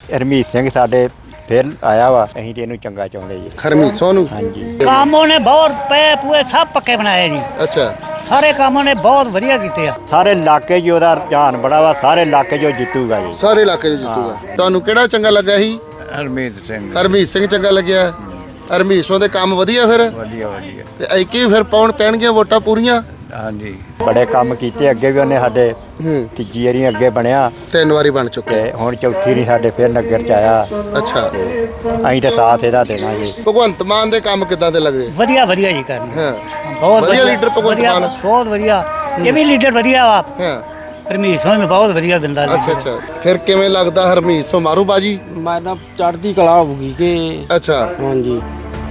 ਹਰਮੀਤ ਸਿੰਘ ਸਾਡੇ ਫਿਰ ਆਇਆ ਵਾ, ਅਸੀਂ ਤੇ ਇਹਨੂੰ ਚੰਗਾ ਚਾਹੁੰਦੇ ਜੀ। ਹਰਮੀਤ ਸੋਨੂੰ ਹਾਂਜੀ, ਕੰਮ ਉਹਨੇ ਬਹੁਤ ਪਏ ਪੂਏ ਸਭ ਪੱਕੇ ਬਣਾਏ ਜੀ। ਅੱਛਾ, ਸਾਰੇ ਕੰਮ ਉਹਨੇ ਬਹੁਤ ਵਧੀਆ ਕੀਤੇ ਆ। ਸਾਰੇ ਇਲਾਕੇ 'ਚ ਉਹਦਾ ਰੁਝਾਨ ਬੜਾ ਵਾ, ਸਾਰੇ ਇਲਾਕੇ 'ਚ ਉਹ ਜਿੱਤੂਗਾ ਜੀ। ਸਾਰੇ ਇਲਾਕੇ 'ਚ ਜਿੱਤੂਗਾ। ਤੁਹਾਨੂੰ ਕਿਹੜਾ ਚੰਗਾ ਲੱਗਾ ਸੀ? ਹਰਮੀਤ ਸਿੰਘ। ਹਰਮੀਤ ਸਿੰਘ ਚੰਗਾ ਲੱਗਿਆ। ਹਰਮੀਤ ਸਿੰਘ ਦੇ ਕੰਮ ਵਧੀਆ ਫਿਰ ਵਧੀਆ ਵਧੀਆ। ਤੇ ਐਕੀ ਫਿਰ ਪੈਣਗੀਆਂ ਵੋਟਾਂ ਪੂਰੀਆਂ। ਹਾਂਜੀ, ਬੜੇ ਕੰਮ ਕੀਤੇ, ਅੱਗੇ ਵੀ ਉਹਨੇ ਸਾਡੇ ਤੀਜੀ ਵਾਰੀ ਅੱਗੇ ਬਣਿਆ 3 ਵਾਰੀ ਬਣ ਚੁੱਕੇ। ਤੇ ਹੁਣ ਚੌਥੀ ਵਾਰੀ ਸਾਡੇ ਫਿਰ ਨਗਰ 'ਚ ਆਇਆ। ਅੱਛਾ, ਤੇ ਅਸੀਂ ਤਾਂ ਸਾਥ ਇਹਦਾ ਦੇਣਾ ਜੀ। ਭਗਵੰਤ ਮਾਨ ਦੇ ਕੰਮ ਕਿੱਦਾਂ ਦੇ ਲੱਗਦੇ? ਵਧੀਆ ਵਧੀਆ ਜੀ ਕਰਨ ਹਾਂ, ਬਹੁਤ ਵਧੀਆ ਲੀਡਰ ਭਗਵੰਤ ਮਾਨ। ਬਹੁਤ ਵਧੀਆ, ਇਹ ਵੀ ਲੀਡਰ ਵਧੀਆ ਵਾ। ਹਾਂ, ਹਰਮੀਤ ਸਿੰਘ ਬਹੁਤ ਵਧੀਆ ਬੰਦਾ ਲੀਡਰ। ਅੱਛਾ ਅੱਛਾ। ਫਿਰ ਕਿਵੇਂ ਲੱਗਦਾ ਹਰਮੀਤ ਸਿੰਘ ਮਾਰੂ ਬਾਜੀ? ਮੈਂ ਤਾਂ ਚੜ੍ਹਦੀ ਕਲਾ ਹੋਊਗੀ ਕਿ ਅੱਛਾ, ਹਾਂਜੀ।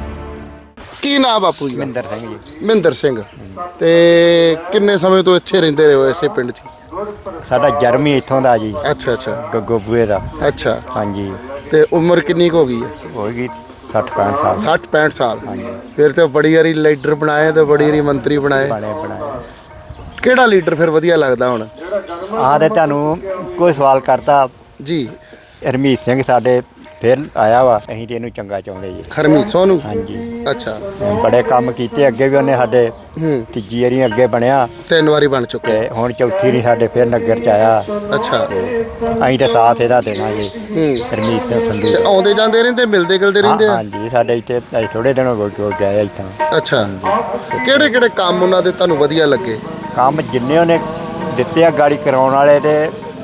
ਕੀ ਨਾਮ ਬਾਪੂ ਜੀ ਦਾ? ਮਹਿੰਦਰ ਸਿੰਘ ਜੀ। ਮਹਿੰਦਰ ਸਿੰਘ। ਤੇ ਕਿੰਨੇ ਸਮੇਂ ਤੋਂ ਇੱਥੇ ਰਹਿੰਦੇ ਰਹੇ ਹੋ ਇਸੇ ਪਿੰਡ 'ਚ? ਸਾਡਾ ਜਨਮ ਹੀ ਇੱਥੋਂ ਦਾ ਜੀ, ਅੱਛਾ ਅੱਛਾ ਗੱਗੋ ਬੂਏ ਦਾ। ਅੱਛਾ। ਹਾਂਜੀ, ਤੇ ਉਮਰ ਕਿੰਨੀ ਕੁ ਹੋ ਗਈ ਹੈ? ਹੋਏਗੀ 60-65 ਸਾਲ। 60-65 ਸਾਲ। ਫਿਰ ਤੇ ਬੜੀ ਵਾਰੀ ਲੀਡਰ ਬਣਾਏ ਤੇ ਬੜੀ ਵਾਰੀ ਮੰਤਰੀ ਬਣਾਏ। ਬਣਾਏ ਕਿਹੜਾ ਲੀਡਰ ਫਿਰ ਵਧੀਆ ਲੱਗਦਾ ਹੁਣ? ਆਹ ਤੇ ਤੁਹਾਨੂੰ ਕੋਈ ਸਵਾਲ ਕਰਤਾ ਜੀ। ਹਰਮੀਤ ਸਿੰਘ ਸਾਡੇ ਫਿਰ ਆਇਆ ਵਾ, ਅਸੀਂ ਤੇ ਇਹਨੂੰ ਚੰਗਾ ਚਾਹੁੰਦੇ ਜੀ। ਹਰਮੀਤ ਸੋਨੂੰ। ਹਾਂਜੀ, ਅੱਛਾ, ਬੜੇ ਕੰਮ ਕੀਤੇ, ਅੱਗੇ ਵੀ ਉਹਨੇ ਸਾਡੇ ਤੀਜੀ ਵਾਰੀ ਅੱਗੇ ਬਣਿਆ 3 ਵਾਰੀ ਬਣ ਚੁੱਕੇ। ਤੇ ਹੁਣ ਚੌਥੀ ਵਾਰੀ ਸਾਡੇ ਫਿਰ ਨਗਰ 'ਚ ਆਇਆ। ਅੱਛਾ। ਤੇ ਅਸੀਂ ਤਾਂ ਸਾਥ ਇਹਦਾ ਦੇਣਾ ਜੀ। ਹਰਮੀਤ ਸਿੰਘ ਸੰਧੂ ਤੇ ਆਉਂਦੇ ਜਾਂਦੇ ਰਹਿੰਦੇ, ਮਿਲਦੇ ਗਿਲਦੇ ਰਹਿੰਦੇ ਆ? ਹਾਂਜੀ, ਸਾਡੇ ਇੱਥੇ ਅਸੀਂ ਥੋੜੇ ਦਿਨ ਹੋ ਗਏ ਇੱਥੋਂ। ਅੱਛਾ। ਕਿਹੜੇ ਕਿਹੜੇ ਕੰਮ ਉਹਨਾਂ ਦੇ ਤੁਹਾਨੂੰ ਵਧੀਆ ਲੱਗੇ? ਕੰਮ ਜਿੰਨੇ ਉਹਨੇ ਦਿੱਤੇ ਆ ਗਾੜੀ ਕਰਾਉਣ ਵਾਲੇ ਤੇ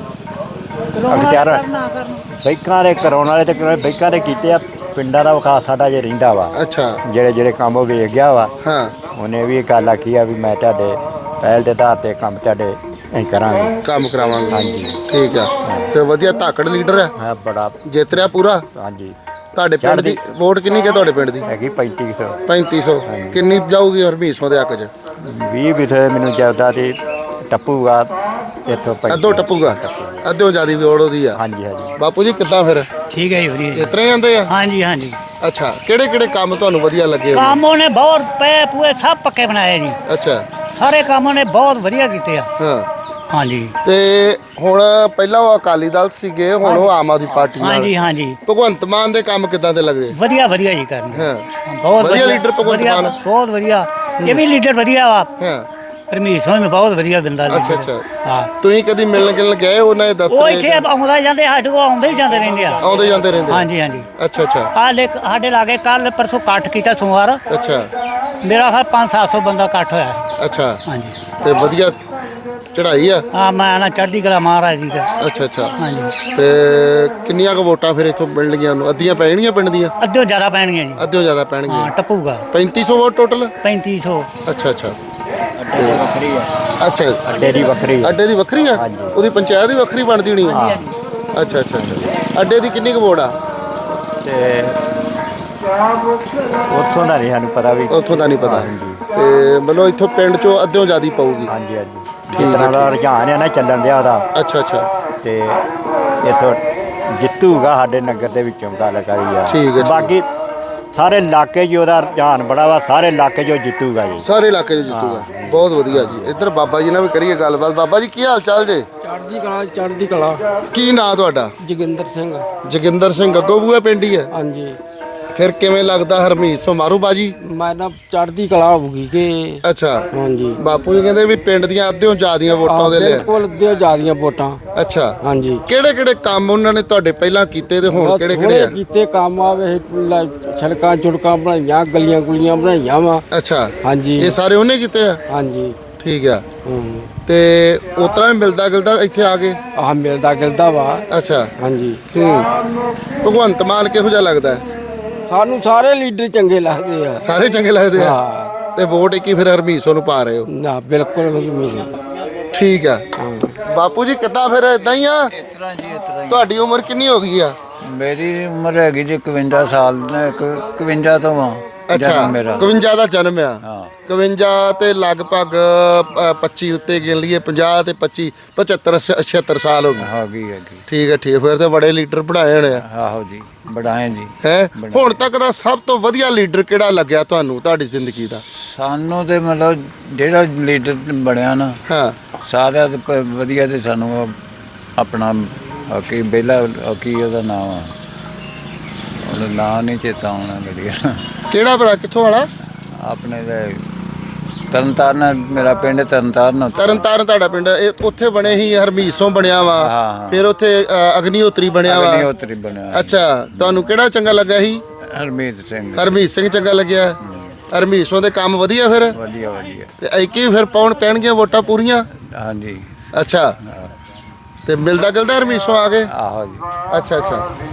ਅਖਤਿਆਰ ਬੈਂਕਾਂ ਦੇ ਕਰਾਉਣ ਵਾਲੇ ਤੇ ਬੈਂਕਾਂ ਦੇ ਕੀਤੇ ਆ। ਪਿੰਡਾਂ ਦਾ ਵਿਕਾਸ ਸਾਡਾ ਜੇ ਰਹਿੰਦਾ ਵਾ। ਅੱਛਾ। ਜਿਹੜੇ ਕੰਮ ਉਹ ਵੇਖ ਗਿਆ ਵਾ। ਹਾਂ, ਉਹਨੇ ਵੀ ਇਹ ਗੱਲ ਆਖੀ ਆ ਵੀ ਮੈਂ ਤੁਹਾਡੇ ਪਹਿਲ ਦੇ ਆਧਾਰ ਤੇ ਕੰਮ ਤੁਹਾਡੇ ਅਸੀਂ ਕਰਾਂਗੇ, ਕੰਮ ਕਰਾਵਾਂਗੇ। ਹਾਂਜੀ। ਠੀਕ ਆ। ਫਿਰ ਵਧੀਆ ਧਾਕੜ ਲੀਡਰ ਆ, ਹਾਂ ਬੜਾ। ਜਿੱਤ ਰਿਹਾ ਪੂਰਾ। ਹਾਂਜੀ, ਤੁਹਾਡੇ ਪਿੰਡ ਦੀ ਵੋਟ ਕਿੰਨੀ ਕਿ ਤੁਹਾਡੇ ਪਿੰਡ ਦੀ? ਹੈਗੀ 3500। 3500। ਕਿੰਨੀ ਜਾਊਗੀ ਹਰਮੀਤ ਸਿੰਘ ਦੇ ਹੱਕ 'ਚ? 20 ਵਿਥੇ ਮੈਨੂੰ ਜਾਪਦਾ ਤੇ ਟੱਪੂਗਾ ਇੱਥੋਂ। ਅੱਧੋ ਟੱਪੂਗਾ। ਅੱਧਿਓਂ ਜ਼ਿਆਦਾ ਵੋਟ ਉਹਦੀ ਆ। ਹਾਂਜੀ ਹਾਂਜੀ। ਬਾਪੂ ਜੀ ਕਿੱਦਾਂ ਫਿਰ ਠੀਕ ਹੈ ਜੀ, ਵਧੀਆ ਜੀ। ਇਸ ਤਰ੍ਹਾਂ ਹੀ ਆਉਂਦੇ ਆ? ਹਾਂਜੀ ਹਾਂਜੀ। ਅੱਛਾ। ਕਿਹੜੇ ਕਿਹੜੇ ਕੰਮ ਤੁਹਾਨੂੰ ਵਧੀਆ ਲੱਗੇ ਹੋਏ? ਕੰਮ ਉਹਨੇ ਬਹੁਤ ਪਏ ਪੂਏ ਸਭ ਪੱਕੇ ਬਣਾਏ ਜੀ। ਅੱਛਾ। ਸਾਰੇ ਕੰਮ ਉਹਨੇ ਬਹੁਤ ਵਧੀਆ ਕੀਤੇ ਆ। ਹਾਂ। ਹਾਂਜੀ ਤੇ ਹੁਣ ਪਹਿਲਾਂ ਉਹ ਅਕਾਲੀ ਦਲ ਸੀਗੇ, ਹੁਣ ਉਹ ਆਮ ਆਦਮੀ ਪਾਰਟੀ ਨਾਲ। ਹਾਂਜੀ ਹਾਂਜੀ। ਭਗਵੰਤ ਮਾਨ ਦੇ ਕੰਮ ਕਿੱਦਾਂ ਦੇ ਲੱਗਦੇ? ਵਧੀਆ ਵਧੀਆ ਜੀ ਕਰਨ ਹਾਂ। ਬਹੁਤ ਵਧੀਆ ਲੀਡਰ ਭਗਵੰਤ ਮਾਨ। ਬਹੁਤ ਵਧੀਆ, ਇਹ ਵੀ ਲੀਡਰ ਵਧੀਆ ਵਾ। ਹਾਂ। ਹਰਮੀਤ ਸਿੰਘ ਬਹੁਤ ਵਧੀਆ ਬੰਦਾ ਲੀਡਰ। ਅੱਛਾ ਅੱਛਾ। ਹਾਂ। ਤੁਸੀਂ ਕਦੀ ਮਿਲਣ ਗਿਲਣ ਗਏ ਉਹਨਾਂ ਦੇ ਉਹ ਦਫ਼ਤਰ? ਇੱਥੇ ਆਉਂਦਾ ਜਾਂਦੇ, ਸਾਡੇ ਕੋਲ ਆਉਂਦੇ ਹੀ ਜਾਂਦੇ ਰਹਿੰਦੇ ਆ। ਆਉਂਦੇ ਜਾਂਦੇ ਰਹਿੰਦੇ? ਹਾਂਜੀ ਹਾਂਜੀ। ਅੱਛਾ ਅੱਛਾ। ਸਾਡੇ ਲਾਗੇ ਕੱਲ ਪਰਸੋਂ ਇਕੱਠ ਕੀਤਾ ਸੋਮਵਾਰ। ਅੱਛਾ। ਮੇਰਾ ਖਿਆਲ 500-700 ਬੰਦਾ ਇਕੱਠ ਹੋਇਆ। ਅੱਛਾ। ਹਾਂਜੀ। ਤੇ ਵਧੀਆ ਚੜ੍ਹਾਈ ਆ? ਹਾਂ, ਮੈਂ ਨਾ ਚੜ੍ਹਦੀ ਕਲਾ ਮਹਾਰਾਜ ਜੀ ਦਾ। ਅੱਛਾ ਅੱਛਾ। ਹਾਂਜੀ। ਤੇ ਕਿੰਨੀਆਂ ਕੁ ਵੋਟਾਂ ਫਿਰ ਇੱਥੋਂ ਮਿਲਣਗੀਆਂ ਉਹਨੂੰ? ਅੱਧੀਆਂ ਪੈ ਜਾਣਗੀਆਂ ਪਿੰਡ ਦੀਆਂ? ਅੱਧਿਓਂ ਜ਼ਿਆਦਾ ਪੈਣਗੀਆਂ ਜੀ। ਅੱਧਿਓਂ ਜ਼ਿਆਦਾ ਹਾਂ, ਪੈਣਗੀਆਂ। ਟੱਪੂਗਾ 3500 ਵੋਟ ਟੋਟਲ? 3500। ਅੱਛਾ ਅੱਛਾ। ਵੱਖਰੀ ਆ, ਅੱਛਾ। ਅੱਡੇ ਦੀ ਵੱਖਰੀ ਆ। ਅੱਡੇ ਦੀ ਵੱਖਰੀ ਆ? ਹਾਂਜੀ। ਉਹਦੀ ਪੰਚਾਇਤ ਵੀ ਵੱਖਰੀ ਬਣਦੀ ਹੋਣੀ ਆ? ਅੱਛਾ ਅੱਛਾ ਅੱਛਾ। ਅੱਡੇ ਦੀ ਕਿੰਨੀ ਕੁ ਵੋਟ ਆ? ਤੇ ਉੱਥੋਂ ਦਾ ਨਹੀਂ ਸਾਨੂੰ ਪਤਾ ਵੀ। ਉੱਥੋਂ ਦਾ ਨਹੀਂ ਪਤਾ। ਹਾਂਜੀ ਤੇ ਮਤਲਬ ਇੱਥੋਂ ਪਿੰਡ ਚੋਂ ਅੱਧਿਓਂ ਜ਼ਿਆਦਾ ਪਊਗੀ? ਹਾਂਜੀ ਹਾਂਜੀ। ਜਿਸ ਤਰ੍ਹਾਂ ਦਾ ਰੁਝਾਨ ਹੈ ਨਾ ਚੱਲਣ ਦਿਆ ਉਹਦਾ, ਅੱਛਾ ਅੱਛਾ। ਤੇ ਇੱਥੋਂ ਜਿੱਤੂਗਾ ਸਾਡੇ ਨਗਰ ਦੇ ਵਿੱਚੋਂ ਗੱਲ ਕਰੀ ਆ। ਠੀਕ ਹੈ, ਠੀਕ। ਬਾਕੀ ਸਾਰੇ ਇਲਾਕੇ 'ਚ ਉਹਦਾ ਰੁਝਾਨ ਬੜਾ ਵਾ, ਸਾਰੇ ਇਲਾਕੇ 'ਚ ਉਹ ਜਿੱਤੂਗਾ ਜੀ। ਸਾਰੇ ਇਲਾਕੇ 'ਚ ਜਿੱਤੂਗਾ। ਬਹੁਤ ਵਧੀਆ ਜੀ। ਇੱਧਰ ਬਾਬਾ ਜੀ ਨਾਲ ਵੀ ਕਰੀਏ ਗੱਲਬਾਤ। ਬਾਬਾ ਜੀ ਕੀ ਹਾਲ ਚਾਲ ਜੇ? ਚੜ੍ਹਦੀ ਕਲਾ, ਚੜ੍ਹਦੀ ਕਲਾ। ਕੀ ਨਾਂ ਤੁਹਾਡਾ? ਜੋਗਿੰਦਰ ਸਿੰਘ। ਜੋਗਿੰਦਰ ਸਿੰਘ। ਗੱਗੋ ਬੂਆ ਪਿੰਡ ਹੀ ਹੈ? ਹਾਂਜੀ। ਫਿਰ ਕਿਵੇਂ ਲੱਗਦਾ ਹਰਮੀਤ ਸਿੰਘ ਮਾਰੂ ਬਾਜੀ? ਮੈਂ ਤਾਂ ਚੜ੍ਹਦੀ ਕਲਾ ਹੋਊਗੀ ਕਿ ਅੱਛਾ। ਹਾਂਜੀ। ਬਾਪੂ ਜੀ ਕਹਿੰਦੇ ਵੀ ਪਿੰਡ ਦੀਆਂ ਅੱਧਿਓਂ ਜ਼ਿਆਦੀਆਂ ਵੋਟਾਂ ਉਹਦੇ ਲਈ। ਬਿਲਕੁਲ ਅੱਧਿਓਂ ਜ਼ਿਆਦੀਆਂ ਵੋਟਾਂ। ਅੱਛਾ। ਹਾਂਜੀ। ਕਿਹੜੇ ਕਿਹੜੇ ਕੰਮ ਉਹਨਾਂ ਨੇ ਤੁਹਾਡੇ ਪਹਿਲਾਂ ਕੀਤੇ ਤੇ ਹੁਣ ਕਿਹੜੇ ਕਿਹੜੇ ਆ? ਕੀਤੇ ਕੰਮ ਆਵੇ, ਸੜਕਾਂ ਚੁੜਕਾਂ ਬਣਾਈਆਂ, ਗਲੀਆਂ ਗੁਲੀਆਂ ਬਣਾਈਆਂ ਵਾ। ਅੱਛਾ। ਹਾਂਜੀ। ਇਹ ਸਾਰੇ ਉਹਨੇ ਕੀਤੇ ਆ? ਹਾਂਜੀ। ਠੀਕ ਆ। ਤੇ ਉਤਰਾ ਵੀ ਮਿਲਦਾ ਗਿਲਦਾ ਇੱਥੇ ਆ ਕੇ? ਆਹ ਮਿਲਦਾ ਗਿਲਦਾ ਵਾ। ਅੱਛਾ। ਹਾਂਜੀ। ਭਗਵੰਤ ਮਾਨ ਕਿਹੋ ਜਿਹਾ ਲੱਗਦਾ? ਸਾਨੂੰ ਸਾਰੇ ਲੀਡਰ ਚੰਗੇ ਲੱਗਦੇ ਆ। ਸਾਰੇ ਚੰਗੇ ਲੱਗਦੇ ਆ? ਹਾਂ। ਤੇ ਵੋਟ ਕੀ ਫਿਰ ਹਰਮੀਤ ਸਿੰਘ ਨੂੰ ਪਾ ਰਹੇ ਹੋ? ਨਾ ਬਿਲਕੁਲ ਨਹੀਂ। ਠੀਕ ਆ। ਬਾਪੂ ਜੀ ਕਿੱਦਾਂ ਫਿਰ ਇਦਾਂ ਹੀ ਆ? ਇਸ ਤਰ੍ਹਾਂ ਜੀ, ਇਸ ਤਰ੍ਹਾਂ ਤੁਹਾਡੀ ਉਮਰ ਕਿੰਨੀ ਹੋ ਗਈ ਆ? ਹੀ। ਮੇਰੀ ਉਮਰ ਹੈਗੀ ਜੀ 51 ਸਾਲ, 51 ਤੋਂ ਆ ਅੱਛਾ। ਜਨਮ ਮੇਰਾ। 51 ਦਾ ਜਨਮ ਆ? ਹਾਂ। 51 ਤੇ ਲਗਭਗ 25 ਉੱਤੇ ਗਿਣ ਲਈਏ, 50 ਤੇ 25 75 76 ਸਾਲ ਹੋ ਗਏ। ਹੈਗੀ ਹੈਗੀ। ਠੀਕ ਹੈ ਠੀਕ ਹੈ। ਫਿਰ ਤੇ ਬੜੇ ਲੀਡਰ ਬਣਾਏ ਹੋਣੇ ਆ? ਆਹੋ ਜੀ, ਬਣਾਏ ਜੀ। ਹੈ ਹੁਣ ਤੱਕ ਦਾ ਸਭ ਤੋਂ ਵਧੀਆ ਲੀਡਰ ਕਿਹੜਾ ਲੱਗਿਆ ਤੁਹਾਨੂੰ ਤੁਹਾਡੀ ਜ਼ਿੰਦਗੀ ਦਾ? ਸਾਨੂੰ ਤੇ ਮਤਲਬ ਜਿਹੜਾ ਲੀਡਰ ਬਣਿਆ ਨਾ, ਹਾਂ। ਸਾਰਿਆਂ ਦੇ ਵਧੀਆ ਤੇ ਸਾਨੂੰ ਆਪਣਾ ਬਾਕੀ ਪਹਿਲਾ ਕੀ ਉਹਦਾ ਨਾਮ ਆ, ਉਹਦਾ ਨਾਂ ਨਹੀਂ ਚੇਤਾ ਆਉਣਾ ਲੜੀਆ। ਕਿਹੜਾ ਭਰਾ, ਕਿੱਥੋਂ ਵਾਲਾ? ਆਪਣੇ ਦੇ ਤਰਨਤਾਰਨ, ਮੇਰਾ ਪਿੰਡ ਤਰਨਤਾਰਨ ਉੱਥੇ। ਤਰਨਤਾਰਨ ਤੁਹਾਡਾ ਪਿੰਡ, ਇਹ ਉੱਥੇ ਬਣੇ ਸੀ ਹਰਮੀਸੋਂ ਬਣਿਆ ਵਾ, ਹਾਂ। ਫਿਰ ਉੱਥੇ ਅਗਨੀਹੋਤਰੀ ਬਣਿਆ ਵਾ। ਅਗਨੀਹੋਤਰੀ ਬਣਿਆ। ਅੱਛਾ, ਤੁਹਾਨੂੰ ਕਿਹੜਾ ਚੰਗਾ ਲੱਗਾ ਸੀ? ਹਰਮੀਤ ਸਿੰਘ। ਹਰਮੀਤ ਸਿੰਘ ਚੰਗਾ ਲੱਗਿਆ। ਹਰਮੀਸੋਂ ਦੇ ਕੰਮ ਵਧੀਆ ਫਿਰ? ਵਧੀਆ ਵਧੀਆ। ਤੇ ਐਕੀ ਫਿਰ ਪਾਉਣ ਪੈਣਗੀਆਂ ਵੋਟਾਂ ਪੂਰੀਆਂ? ਹਾਂਜੀ। ਅੱਛਾ, ਤੇ ਮਿਲਦਾ ਗਿਲਦਾ ਹਰਮੀਸੋਂ ਆ ਕੇ? ਆਹੋ ਜੀ। ਅੱਛਾ ਅੱਛਾ।